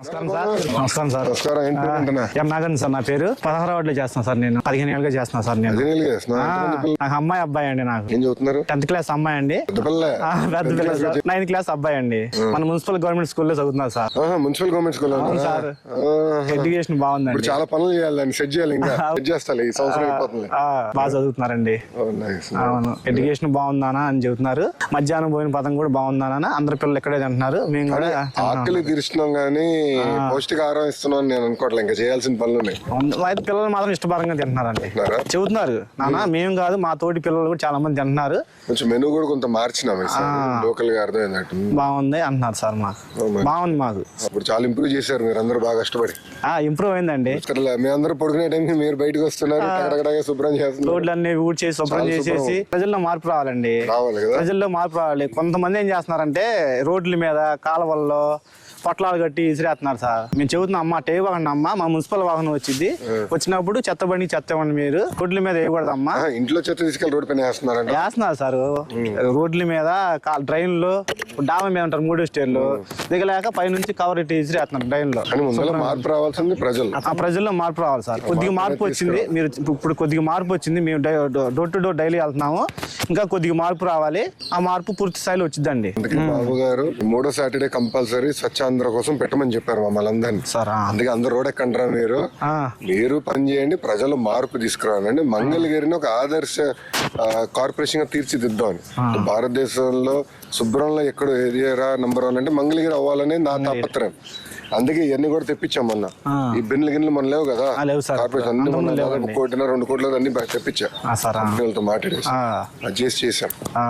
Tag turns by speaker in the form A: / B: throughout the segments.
A: నమస్కారం సార్. ఎం నాగన్ సార్ నా పేరు. 16వ వార్డులో చేస్తాను సార్. నేను 15 ఏళ్ళుగా చేస్తున్నాను సార్. నేను నాకు అమ్మాయి అబ్బాయి అండి. నాకు 10th క్లాస్ అమ్మాయి అండి. పెద్ద పిల్ల సార్. 9th క్లాస్ అబ్బాయి అండి. మన మున్సిపల్ గవర్నమెంట్ స్కూల్లో చదువుతున్నారు sir.
B: Municipal government school
A: sir. Education బాగుందండి.
B: చాలా పనులు చేయాలి, సెట్ చేయాలి. ఇంకా సెట్ చేస్తాలి. ఈ సంవత్సరం అయిపోతుంది.
A: బాగా చదువుతున్నారండి. అవును, ఎడ్యుకేషన్ బాగుందానా అని చెబుతున్నారు. మధ్యాహ్నం పోయిన పదం కూడా బాగుందానా. అందరు పిల్లలు ఇక్కడే తింటున్నారు. మేము కూడా
B: ఆకలి తీరుస్తున్నాం కానీ పౌష్టికాహారం ఇస్తున్నాం నేను అనుకోవట్లే. ఇంకా చేయాల్సిన పనులు ఉన్నాయి.
A: పిల్లలు మాత్రం ఇష్టపరంగా తింటున్నారండి. చెబుతున్నారు నాన్న, మేము కాదు మా తోటి పిల్లలు కూడా చాలా మంది తింటున్నారు.
B: కొంచెం మెనూ కూడా కొంత మార్చినాం లోకల్ గా అర్థమైనట్టు.
A: బాగుంది అంటున్నారు సార్. మాకు బాగుంది. మాకు
B: ఇప్పుడు చాలా ఇంప్రూవ్ చేశారు మీరు అందరూ బాగా కష్టపడి.
A: ఇంప్రూవ్ అయిందండి.
B: మీ అందరూ పడుకునే టైంకి మీరు బయటకు వస్తున్నారు, శుభ్రం చేస్తున్నారు.
A: రోడ్లన్నీ ఊడ్ చేసి శుభ్రం చేసేసి ప్రజల్లో మార్పు రావాలండి. ప్రజల్లో మార్పు రావాలి. కొంతమంది ఏం చేస్తున్నారంటే రోడ్ల మీద కాలువల్లో పొట్లాలు కట్టి ఇసిరేస్తున్నారు సార్. మేము చెబుతున్నాం అమ్మ టే వాగండి అమ్మ, మా మున్సిపల్ వాహనం వచ్చింది, వచ్చినప్పుడు చెత్త ఇవ్వండి. మీరు రోడ్ల మీద వేయకూడదమ్మా.
B: ఇంట్లో చెత్త తీసుకెళ్ళి రోడ్ పైన
A: వేస్తున్నారు సార్. రోడ్ల మీద డ్రైన్ లో డాబా మీద ఉంటారు 3 స్టేర్లు దిగలేక పైనుంచి కవర్ ఇట్టి ఇసిరేస్తున్నారు డ్రైన్ లో.
B: మార్పు రావాల్సింది
A: ప్రజల్లో మార్పు రావాలి సార్. కొద్దిగా మార్పు వచ్చింది. మీరు ఇప్పుడు కొద్దిగా మార్పు వచ్చింది. మేము డోర్ టు డోర్ డైలీ వెళ్తున్నాము. ఇంకా కొద్దిగా మార్పు రావాలి. ఆ మార్పు పూర్తి స్థాయిలో వచ్చిందండి.
B: బాబు గారు 3వ సాటర్డే కంపల్సరీ స్వచ్ఛాంధ్ర కోసం పెట్టమని చెప్పారు మమ్మల్ని అందరినీ. అందుకే అందరు రోడ్ ఎక్కంటారా మీరు పని చేయండి, ప్రజలు మార్పు తీసుకురావాలండి. మంగళగిరిని ఒక ఆదర్శ కార్పొరేషన్ గా తీర్చిదిద్దామని. భారతదేశంలో శుభ్రంలో ఎక్కడ ఏరియా నంబర్ 1 అంటే మంగళగిరి అవ్వాలని నా తాపత్రయం. అందుకే ఇవన్నీ కూడా తెప్పించాం మొన్న. ఈ గిన్నెలు మన లేవు కదా కార్పొరేషన్ అన్ని 1 కోటి 2 కోట్ల అన్ని తెప్పించా. కంపెనీలతో మాట్లాడేసి అది చేసాం.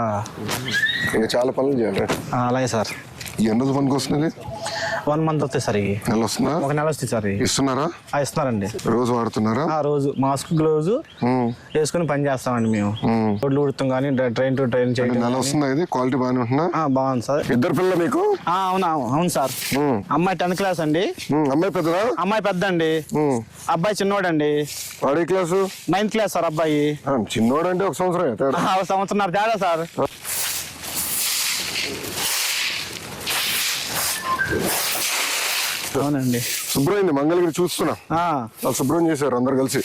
B: ఇంకా చాలా పనులు చేయాలి.
A: అలాగే సార్.
B: ఎన్ని రోజు పనికి వస్తున్నది?
A: 1 month వస్తాయి సార్.
B: నెల వస్తుందా?
A: 1 నెల వస్తుంది సార్.
B: ఇస్తున్నారా?
A: ఇస్తున్నారండి.
B: రోజు వాడుతున్నారా?
A: రోజు మాస్క్ గ్లౌజ్ వేసుకుని పని చేస్తామండి మేము. రోడ్లు ఉడుతాం కానీ ట్రైన్ టు ట్రైన్ చేయండి.
B: నెల వస్తుందా? ఇది క్వాలిటీ బాగానే ఉంటుందా?
A: బాగుంది సార్.
B: 2 పిల్లలు మీకు?
A: అవును సార్. అమ్మాయి 10th క్లాస్ అండి.
B: అమ్మాయి పెద్దదా?
A: అమ్మాయి పెద్ద అండి. అబ్బాయి చిన్నోడండి.
B: వాడే క్లాసు?
A: 9th class sir. అబ్బాయి
B: చిన్నోడు అంటే 1 సంవత్సరం.
A: 1 సంవత్సరం తేడా సార్. అవునండి.
B: శుభ్రమైంది మంగళగిరి చూస్తున్నా. శుభ్రం చేశారు అందరు కలిసి.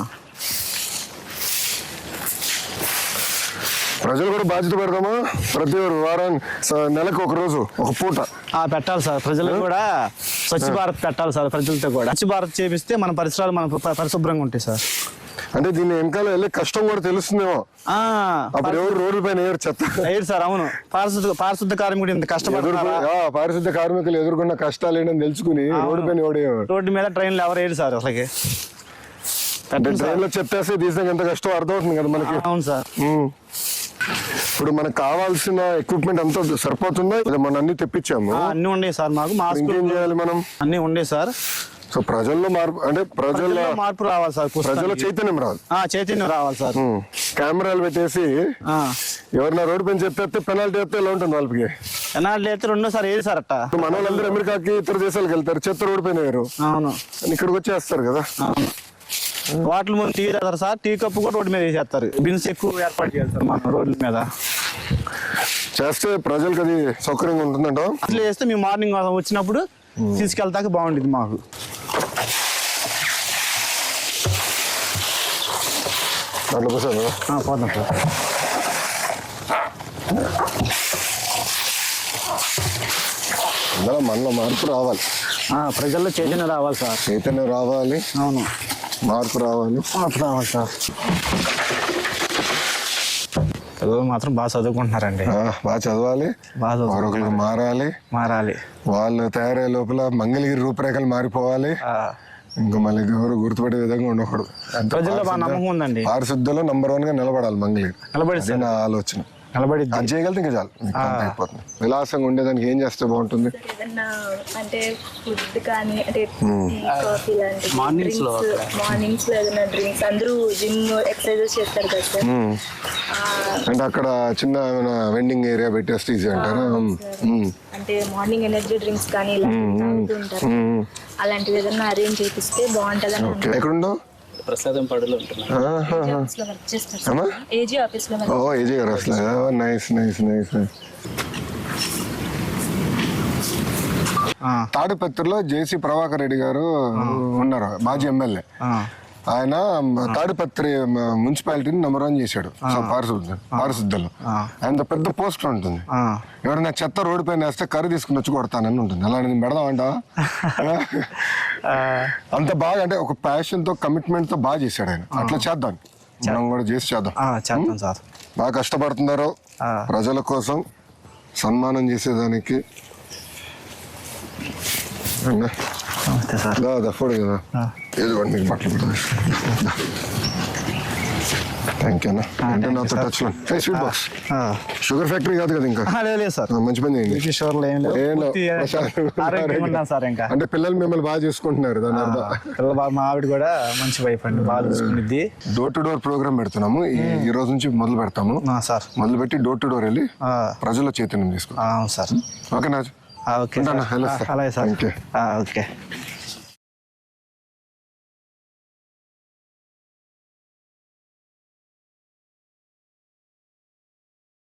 B: ప్రజలు కూడా బాధ్యత పెడదామా? ప్రతి నెలకు 1 రోజు 1 పూట
A: పెట్టాలి సార్. ప్రజలు కూడా స్వచ్ఛ భారత్ పెట్టాలి సార్. ప్రజలతో కూడా స్వచ్ఛ భారత్ చేపిస్తే మన పరిసరాలు మన పరిశుభ్రంగా ఉంటాయి సార్.
B: అంటే దీన్ని వెనకాల వెళ్ళే కష్టం కూడా తెలుస్తుందేమో. అప్పుడు ఎవరు రోడ్ల పైన చెత్త
A: వేయరు సార్. అవును, పారిశుద్ధ కార్మికుడు ఇంత కష్టపడుతున్నారు.
B: పారిశుద్ధ కార్మికులు ఎదుర్కొన్న కష్టాలు ఏంటని తెలుసుకుని రోడ్డు పైన
A: రోడ్డు మీద ట్రైన్లు ఎవరు వేయరు సార్. అసలు
B: ట్రైన్ లో చెత్తేస్తే తీసాక ఎంత కష్టం అర్థమవుతుంది కదా మనకి.
A: అవును సార్.
B: ఇప్పుడు మనకు కావాల్సిన ఎక్విప్మెంట్ అంతా సరిపోతుందా? మనం అన్ని తెప్పించాము.
A: అన్ని ఉండే సార్. మాకు
B: ఇంకేం చేయాలి మనం?
A: అన్ని ఉండే సార్.
B: సో ప్రజల్లో మార్పు అంటే ప్రజల్లో మార్పు
A: రావాలి సార్.
B: ప్రజల్లో చైతన్యం రావాలి.
A: చైతన్యం రావాలి సార్.
B: కెమెరాలు పెట్టేసి ఎవరైనా రోడ్డు పైన చెప్తే పెనాల్టీ వేస్తే ఎలా ఉంటుంది వాళ్ళకి?
A: పెనాల్టీ అయితే 2సారి ఏది సార్ అట్ట.
B: మన వాళ్ళందరూ అమెరికాకి ఇతర దేశాలకు వెళ్తారు, చెత్త రోడ్డు పైన వేరు.
A: అవును,
B: ఇక్కడికి వచ్చేస్తారు కదా.
A: వాటర్ ముందు టీ తాగుతారు సార్. టీ కప్పు కూడా రోడ్డు మీద వేసేస్తారు. బిన్స్ ఎక్కువ ఏర్పాటు చేయాలి సార్ మన రోడ్ల మీద.
B: చేస్తే ప్రజలకు అది సౌకర్యంగా ఉంటుందంట.
A: అట్లా చేస్తే మేము మార్నింగ్ వచ్చినప్పుడు తీసుకెళ్తాక బాగుంటుంది మాకు. పోతాం సార్.
B: మనలో మార్పు రావాలి.
A: ప్రజల్లో చైతన్యం రావాలి సార్.
B: చైతన్యం రావాలి.
A: అవును,
B: మార్పు రావాలి.
A: సార్. పిల్లలు మాత్రం బాగా చదువుకుంటున్నారండి.
B: బాగా చదవాలి. మరొకరికి మారాలి. వాళ్ళు తయారయ్యే లోపల మంగళగిరి రూపురేఖలు మారిపోవాలి. ఇంకా మళ్ళీ ఎవరు గుర్తుపడే విధంగా ఉండకూడదు.
A: ప్రజల్లో బాగా నమ్మకం ఉందండి.
B: పారిశుద్ధ్యంలో నంబర్ 1గా నిలబడాలి మంగళగిరి. నా ఆలోచన. అది చేయగలితే ఇంకా చాలు, అయిపోతుంది. విలాసంగా ఉండేదానికి ఏం చేస్తే బాగుంటుంది?
C: అంటే ఫుడ్ కానీ అంటే కాఫీ లాంటి మార్నింగ్స్ లో ఏదైనా డ్రింక్స్. అందరూ జిమ్ ఎక్సర్సైజెస్ చేస్తారు కదా సార్.
B: అంటే అక్కడ చిన్న ఏమైనా వెండింగ్ ఏరియా పెట్టేస్తే ఈజీ అంటారా?
C: అంటే మార్నింగ్ ఎనర్జీ డ్రింక్స్ కానీ తాగుతూ ఉంటారు. అలాంటివి ఏదైనా అరేంజ్ చేపిస్తే బాగుంటదని.
B: ఎక్కడుండో
A: ప్రసాదం పడులో ఉంటున్నాను.
C: ఏజీ ఆఫీస్ లో.
B: ఏజీ గారు అసలు నైస్. తాడిపత్రిలో జేసీ ప్రభాకర్ రెడ్డి గారు ఉన్నారు, మాజీ ఎమ్మెల్యే. ఆయన తాడిపత్రి మున్సిపాలిటీని నెంబర్ 1 చేశాడు పారిశుద్ధలో. ఆయన పెద్ద పోస్టర్ ఉంటుంది, ఎవరైనా చెత్త రోడ్డు పైన వేస్తే కర్రీ తీసుకుని వచ్చి కొడతానని ఉంటుంది. అలాంటి పెడదాం అంటావా? అంత బాగా, అంటే ఒక ప్యాషన్ తో కమిట్మెంట్ తో బాగా చేశాడు ఆయన. అట్లా చేద్దాం, మనం కూడా చేసి చేద్దాం.
A: సార్
B: బాగా కష్టపడుతున్నారు ప్రజల కోసం, సన్మానం చేసేదానికి. ఫోడు కదా, ఏదో మీకు బట్టలు థ్యాంక్ యూ అన్న. అంటే నాతో టచ్ లో స్వీట్ బాక్స్. షుగర్ ఫ్యాక్టరీ కాదు కదా ఇంకా?
A: లేదు సార్,
B: మంచి పని చేయండి. అంటే పిల్లలు మిమ్మల్ని బాగా చూసుకుంటున్నారు, దాని అర్థం.
A: మా ఆవిడ కూడా మంచి వైఫ్ అండి, బాగా చూసుకునిద్ది.
B: డోర్ టు డోర్ ప్రోగ్రామ్ పెడుతున్నాము, ఈ రోజు నుంచి మొదలు పెడతాము సార్. మొదలు పెట్టి డోర్ టు డోర్ వెళ్ళి ప్రజల చైతన్యం తీసుకుంటాం.
A: సార్
B: ఓకే నా?
A: ఓకే అలాగే సార్. ఓకే.